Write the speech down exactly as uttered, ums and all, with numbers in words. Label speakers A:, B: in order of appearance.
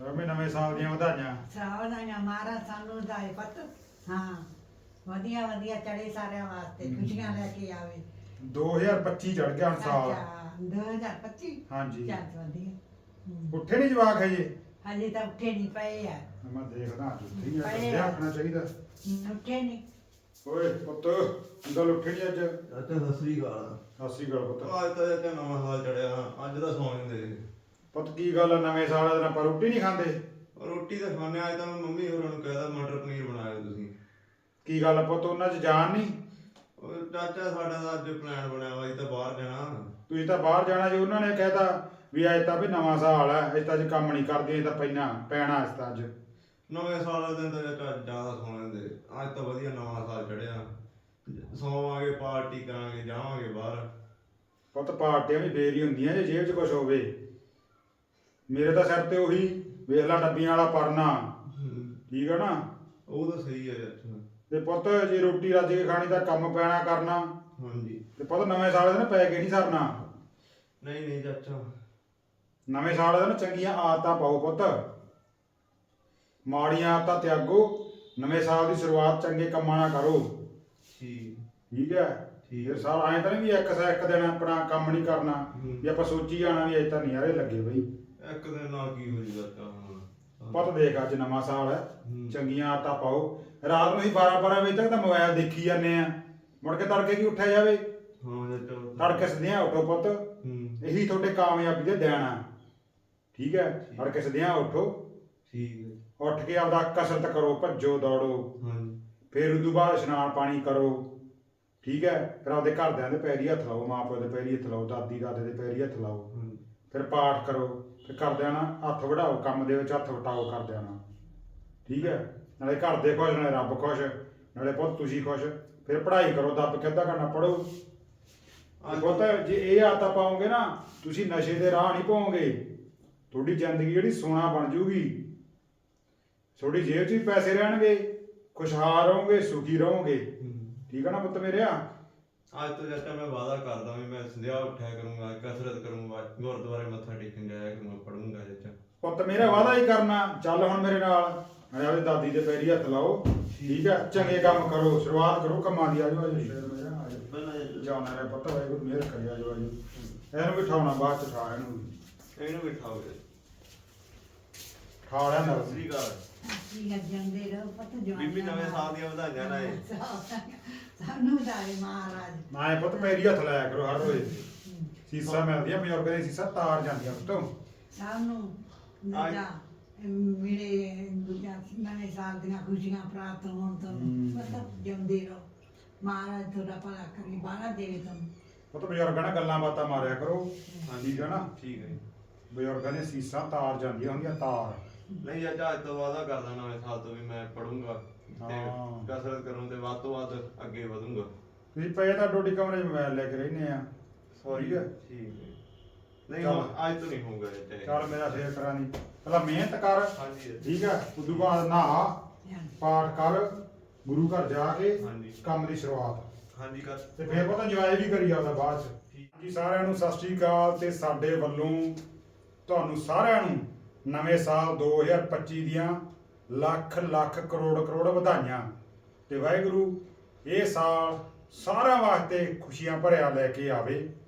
A: ਰਮੇ ਨਵੇਂ ਸਾਲ ਦੀਆਂ ਵਧਾਈਆਂ।
B: ਸਾਵਧਾਨੀਆਂ ਮਹਾਰਾਜ ਸਾਨੂੰ ਦਾ ਪਤ ਹਾਂ ਵਧੀਆ ਵਧੀਆ ਚੜੇ ਸਾਰਿਆਂ ਵਾਸਤੇ ਖੁਸ਼ੀਆਂ ਲੈ ਕੇ ਆਵੇ।
A: ਦੋ ਹਜ਼ਾਰ ਪੱਚੀ ਚੜ ਗਿਆ ਹੁਣ ਸਾਲ।
B: ਅੱਛਾ ਦੋ ਹਜ਼ਾਰ ਪੱਚੀ
A: ਹਾਂਜੀ
B: ਚੱਲ ਵਧੀਆ। ਹੂੰ।
A: ਉੱਠੇ ਨਹੀਂ ਜਵਾਕ ਹਜੇ?
B: ਹਜੇ ਤਾਂ ਉੱਠੇ ਨਹੀਂ ਪਏ ਆ।
A: ਮੈਂ ਦੇਖਦਾ ਅੱਜ ਉੱਠੇ ਹੀ ਆ,
B: ਪਏ
A: ਕਰਦੇ
B: ਆ।
A: ਆਖਣਾ ਚਾਹੀਦਾ।
B: ਹੂੰ, ਉੱਠੇ ਨਹੀਂ।
A: ਓਏ ਪੁੱਤ ਗੱਲ ਉੱਠੇ ਨਹੀਂ ਅੱਜ?
C: ਚਾਚਾ ਸਤਿ ਸ੍ਰੀ ਅਕਾਲ।
A: ਸਤਿ ਸ੍ਰੀ ਅਕਾਲ ਪੁੱਤ।
C: ਅੱਜ ਤਾਂ ਚਾਚਾ ਨਵਾਂ ਸਾਲ ਚੜਿਆ, ਅੱਜ ਤਾਂ ਸੌਂ ਜਾਂਦੇ।
A: ਪੁੱਤ ਕੀ ਗੱਲ ਆ, ਨਵੇਂ ਸਾਲ ਦੇ ਦਿਨ ਆਪਾਂ ਰੋਟੀ ਨਹੀਂ ਖਾਂਦੇ?
C: ਰੋਟੀ ਤਾਂ ਖਾਣੇ ਅੱਜ ਤਾਂ ਮੈਂ ਮੰਮੀ ਹੋਰਾਂ ਨੂੰ ਕਹਿਦਾ ਮਟਰ ਪਨੀਰ ਬਣਾਇਆ ਤੁਸੀਂ।
A: ਕੀ ਗੱਲ ਆ ਪੁੱਤ, ਉਹਨਾਂ 'ਚ ਜਾਨ ਨਹੀਂ?
C: ਉਹ ਚਾਚਾ ਸਾਡਾ ਤਾਂ ਅੱਜ ਪਲਾਨ ਬਣਿਆ ਵਾ, ਅਸੀਂ ਤਾਂ ਬਾਹਰ ਜਾਣਾ।
A: ਤੁਸੀਂ ਤਾਂ ਬਾਹਰ ਜਾਣਾ ਜੀ, ਉਹਨਾਂ ਨੇ ਕਹਿਤਾ ਵੀ ਅੱਜ ਤਾਂ ਵੀ ਨਵਾਂ ਸਾਲ ਹੈ, ਅੱਜ ਤਾਂ ਅੱਜ ਕੰਮ ਨਹੀਂ ਕਰਦੇ, ਅੱਜ ਤਾਂ ਪੈਣਾ ਪੈਣਾ ਇਸ ਤਾਂ ਅੱਜ।
C: ਨਵੇਂ ਸਾਲ ਵਾਲੇ ਦਿਨ ਤਾਂ ਚਾਚਾ ਜ਼ਿਆਦਾ ਸੌਂ ਜਾਂਦੇ, ਅੱਜ ਤਾਂ ਵਧੀਆ ਨਵਾਂ ਸਾਲ ਚੜਿਆ। ਸੌਵਾਂਗੇ, ਪਾਰਟੀ ਕਰਾਂਗੇ, ਜਾਵਾਂਗੇ ਬਾਹਰ।
A: ਪੁੱਤ ਪਾਰਟੀਆਂ ਵੀ ਫੇਰ ਹੀ ਹੁੰਦੀਆਂ ਜੇ ਜੇਬ 'ਚ ਕੁਛ ਹੋਵੇ। ਮੇਰੇ ਤਾਂ ਸਿਰ ਤੇ ਉਹੀ ਵੇਖ ਲਾ ਡੱਬੀਆਂ ਵਾਲਾ ਪਰਨਾ, ਠੀਕ ਆ ਨਾ?
C: ਉਹ ਤਾਂ ਸਹੀ ਹੈ ਚਾਚਾ।
A: ਤੇ ਪੁੱਤ ਜੇ ਰੋਟੀ ਰੱਜ ਕੇ ਖਾਣੀ ਤਾਂ ਕੰਮ ਪੈਣਾ ਕਰਨਾ।
C: ਹਾਂਜੀ।
A: ਤੇ ਪੁੱਤ ਨਵੇਂ ਸਾਲ ਦੇ ਦਿਨ ਪੈ ਕੇ ਨਹੀਂ ਸਰਨਾ।
C: ਨਹੀਂ ਨਹੀਂ ਚਾਚਾ।
A: ਨਵੇਂ ਸਾਲ ਦੇ ਦਿਨ ਚੰਗੀਆਂ ਆਦਤਾਂ ਪਾਓ ਪੁੱਤ, ਮਾੜੀਆਂ ਆਦਤਾਂ ਤਿਆਗੋ। ਨਵੇਂ ਸਾਲ ਦੀ ਸ਼ੁਰੂਆਤ ਚੰਗੇ ਕੰਮਾਂ ਨਾਲ ਕਰੋ।
C: ਠੀਕ
A: ਠੀਕ ਹੈ?
C: ਠੀਕ
A: ਫਿਰ
C: ਹੈ।
A: ਸਾਲ ਐਂ ਤਾਂ ਨਹੀਂ ਵੀ ਇੱਕ ਸਾ ਇੱਕ ਦਿਨ ਆਪਣਾ ਕੰਮ ਨਹੀਂ ਕਰਨਾ
C: ਹੂੰ।
A: ਵੀ ਆਪਾਂ ਸੋਚੀ ਜਾਣਾ ਵੀ ਅੱਜ ਤਾਂ ਨਜ਼ਾਰੇ ਲੱਗੇ ਬਈ।
C: ਇੱਕ ਦਿਨ ਨਾਲ ਕੀ ਹੋ ਜੂਗਾ ਚਾਚਾ ਹੁਣ।
A: ਪੁੱਤ ਦੇਖ ਅੱਜ ਨਵਾਂ ਸਾਲ ਹੈ,
C: ਹੂੰ।
A: ਚੰਗੀਆਂ ਆਦਤਾਂ ਪਾਓ। ਰਾਤ ਨੂੰ ਅਸੀਂ ਬਾਰਾਂ ਬਾਰਾਂ ਵਜੇ ਤੱਕ ਤਾਂ ਮੋਬਾਈਲ ਦੇਖੀ ਜਾਂਦੇ ਆ, ਮੁੜ ਕੇ ਤੜਕੇ ਕੀ ਉੱਠਿਆ ਜਾਵੇ?
C: ਹਾਂ ਚਾਚਾ।
A: ਤੜਕੇ ਸਦਿਆਂ ਉੱਠੋ ਪੁੱਤ,
C: ਹੂੰ।
A: ਇਹੀ ਤੁਹਾਡੇ ਕਾਮਯਾਬੀ ਦੇ ਦੇਣ ਆ। ਠੀਕ ਹੈ? ਤੜਕੇ ਸਦਿਆਂ ਉੱਠੋ,
C: ਠੀਕ ਹੈ।
A: ਉੱਠ ਕੇ ਆਪਦਾ ਕਸਰਤ ਕਰੋ, ਭੱਜੋ ਦੌੜੋ,
C: ਹਾਂਜੀ।
A: ਫਿਰ ਉਦੋਂ ਬਾਅਦ ਇਸ਼ਨਾਨ ਪਾਣੀ ਕਰੋ। ਠੀਕ ਹੈ? ਫਿਰ ਆਪਦੇ ਘਰਦਿਆਂ ਦੇ ਪੈਰੀ ਹੱਥ ਲਾਓ, ਮਾਂ ਪਿਓ ਦੇ ਪੈਰੀ ਹੱਥ ਲਾਓ, ਦਾਦੀ ਦਾਦੇ ਦੇ ਪੈਰੀ ਹੱਥ ਲਾਓ।
C: ਹਾਂਜੀ।
A: ਫਿਰ ਪਾਠ ਕਰੋ, ਫਿਰ ਘਰਦਿਆਂ ਨਾਲ ਹੱਥ ਵਢਾਓ, ਕੰਮ ਦੇ ਵਿੱਚ ਹੱਥ ਵਟਾਓ ਘਰਦਿਆਂ ਨਾਲ। ਠੀਕ ਹੈ? ਨਾਲੇ ਘਰ ਦੇ ਖੁਸ਼, ਨਾਲੇ ਰੱਬ ਖੁਸ਼, ਨਾਲੇ ਪੁੱਤ ਤੁਸੀਂ ਖੁਸ਼। ਫਿਰ ਪੜ੍ਹਾਈ ਕਰੋ, ਦੱਬ ਕੇ ਅੱਧਾ ਘੰਟਾ ਪੜ੍ਹੋ। ਪੁੱਤ ਜੇ ਇਹ ਆਦਤਾਂ ਪਾਓਗੇ ਨਾ, ਤੁਸੀਂ ਨਸ਼ੇ ਦੇ ਰਾਹ ਨਹੀਂ ਪਾਓਗੇ। ਤੁਹਾਡੀ ਜ਼ਿੰਦਗੀ ਜਿਹੜੀ ਸੋਨਾ ਬਣ ਜੂਗੀ, ਤੁਹਾਡੀ ਜੇਬ 'ਚ ਵੀ ਪੈਸੇ ਰਹਿਣਗੇ, ਖੁਸ਼ਹਾਲ ਰਹੋਗੇ, ਸੁਖੀ ਰਹੋਗੇ। ਠੀਕ ਹੈ ਨਾ ਪੁੱਤ ਮੇਰਿਆ?
C: ਅੱਜ ਤੋਂ ਚਾਚਾ ਮੈਂ ਵਾਅਦਾ ਕਰਦਾ ਵੀ ਮੈਂ ਸੰਧਿਆ ਉੱਠਿਆ ਕਰੂੰਗਾ, ਕਸਰਤ ਕਰੂੰਗਾ, ਗੁਰਦੁਆਰੇ ਮੱਥਾ ਟੇਕਣ ਜਾਇਆ ਕਰੂੰਗਾ, ਪੜੂੰਗਾ ਚਾਚਾ।
A: ਪੁੱਤ ਮੇਰਾ ਵਾਅਦਾ ਹੀ ਕਰਨਾ। ਚੱਲ ਹੁਣ ਮੇਰੇ ਨਾਲ, ਨਾਲੇ ਆਪਣੀ ਦਾਦੀ ਦੇ ਪੈਰੀ ਹੱਥ ਲਾਓ। ਠੀਕ ਹੈ? ਚੰਗੇ ਕੰਮ ਕਰੋ, ਸ਼ੁਰੂਆਤ ਕਰੋ ਕੰਮਾਂ ਦੀ। ਆਜੋ ਆਜੋ ਸ਼ੇਰ ਮੇਰਾ, ਆਜੋ ਜਾਣਾ ਰੇ ਪੁੱਤ, ਵਾਹਿਗੁਰੂ ਮਿਹਰ ਕਰੇ। ਆਜੋ ਆਜੋ, ਇਹਨੂੰ ਵੀ ਠਾਉਣਾ, ਬਾਅਦ 'ਚ ਠਾ ਇਹਨੂੰ ਵੀ
C: ਇਹਨੂੰ ਬਿਠਾਓ ਜੀ।
A: ਠਾ ਲਿਆ ਨਾ।
C: ਸਤਿ ਸ੍ਰੀ ਅਕਾਲ।
B: ਠੀਕ ਹੈ, ਜਾਂਦੇ ਰਹੋ ਪੁੱਤ ਜਵਾਨ।
C: ਬੀਬੀ ਨਵੇਂ ਸਾਲ ਦੀਆਂ ਵਧਾਈਆਂ ਨਾ ਇਹ।
B: ਸਾਨੂੰ ਦਾਏ ਮਹਾਰਾਜ।
A: ਨਾ ਇਹ ਪੁੱਤ ਮੇਰੀ ਹੱਥ ਲਾਇਆ ਕਰੋ ਹਰ ਰੋਜ਼। ਸੀਸਾਂ ਮਿਲਦੀਆਂ ਬਜ਼ੁਰਗਾਂ ਦੀਆਂ, ਸੀਸਾਂ ਤਾਰ ਜਾਂਦੀਆਂ ਪੁੱਤੋਂ।
B: ਸਾਨੂੰ ਦੂਜਾ ਮੇਰੇ ਦੂਜਾ ਨਵੇਂ ਸਾਲ ਦੀਆਂ ਖੁਸ਼ੀਆਂ ਪ੍ਰਾਪਤ ਹੋਣ ਤੋਂ ਪੁੱਤ ਜਿਉਂਦੇ ਰਹੋ। ਮਹਾਰਾਜ ਤੁਹਾਡਾ ਭਲਾ ਕਰੇ, ਬਾਹਲਾ ਦੇਵੇ ਤੁਹਾਨੂੰ।
A: ਪੁੱਤ ਬਜ਼ੁਰਗਾਂ ਨਾਲ ਗੱਲਾਂ ਬਾਤਾਂ ਮਾਰਿਆ ਕਰੋ। ਠੀਕ ਹੈ ਨਾ?
C: ਠੀਕ ਹੈ ਜੀ।
A: ਬਜ਼ੁਰਗਾਂ ਦੀਆਂ ਸੀਸਾਂ ਤਾਰ ਜਾਂਦੀਆਂ ਹੁੰਦੀਆਂ, ਤਾਰ।
C: ਨਹੀਂ ਚਾਚਾ, ਅੱਜ ਤੋਂ ਵਾਅਦਾ ਕਰਦਾ ਨਵੇਂ ਸਾਲ ਤੋਂ ਵੀ ਮੈਂ ਪੜੂੰਗਾ ਤੇ
A: ਹਾਂ।
C: ਕਸਰਤ ਕਰੂੰ ਤੇ ਵੱਧ ਤੋਂ ਵੱਧ ਅੱਗੇ ਵਧੂੰਗਾ।
A: ਤੁਸੀਂ ਪਏ ਤਾਂ ਡੋਡੀ ਕਮਰੇ 'ਚ ਮੋਬਾਈਲ ਲੈ ਕੇ ਰਹਿੰਦੇ ਆ।
C: ਸੌਰੀ।
A: ਹੈ?
C: ਠੀਕ ਹੈ। ਨਹੀਂ
A: ਚੱਲ।
C: ਹੁਣ ਅੱਜ ਤੋਂ ਨਹੀਂ ਹੋਊਗਾ ਚਾਚਾ।
A: ਚੱਲ ਮੇਰਾ ਫੇਰ ਕਰਾਂ ਨਹੀਂ, ਪਹਿਲਾਂ ਮਿਹਨਤ ਕਰ।
C: ਹਾਂਜੀ।
A: ਠੀਕ ਹੈ? ਉਦੋਂ ਬਾਅਦ ਨਹਾ, ਪਾਠ ਕਰ, ਗੁਰੂ ਘਰ ਜਾ ਕੇ
C: ਹਾਂਜੀ।
A: ਕੰਮ ਦੀ ਸ਼ੁਰੂਆਤ।
C: ਹਾਂਜੀ ਕਰ।
A: ਤੇ ਫੇਰ ਪਤਾ ਇੰਜੋਏ ਵੀ ਕਰੀ ਜਾਊਗਾ ਬਾਅਦ 'ਚ। ਜੀ ਸਾਰਿਆਂ ਨੂੰ ਸਤਿ ਸ਼੍ਰੀ ਅਕਾਲ। ਤੇ ਸਾਡੇ ਵੱਲੋਂ ਤੁਹਾਨੂੰ ਸਾਰਿਆਂ ਨੂੰ ਨਵੇਂ ਸਾਲ ਦੋ ਹਜ਼ਾਰ ਪੱਚੀ ਦੀਆਂ ਲੱਖ ਲੱਖ ਕਰੋੜ ਕਰੋੜ ਵਧਾਈਆਂ। ਤੇ ਵਾਹਿਗੁਰੂ ਇਹ ਸਾਲ ਸਾਰਿਆਂ ਵਾਸਤੇ ਖੁਸ਼ੀਆਂ ਭਰਿਆ ਲੈ ਕੇ ਆਵੇ।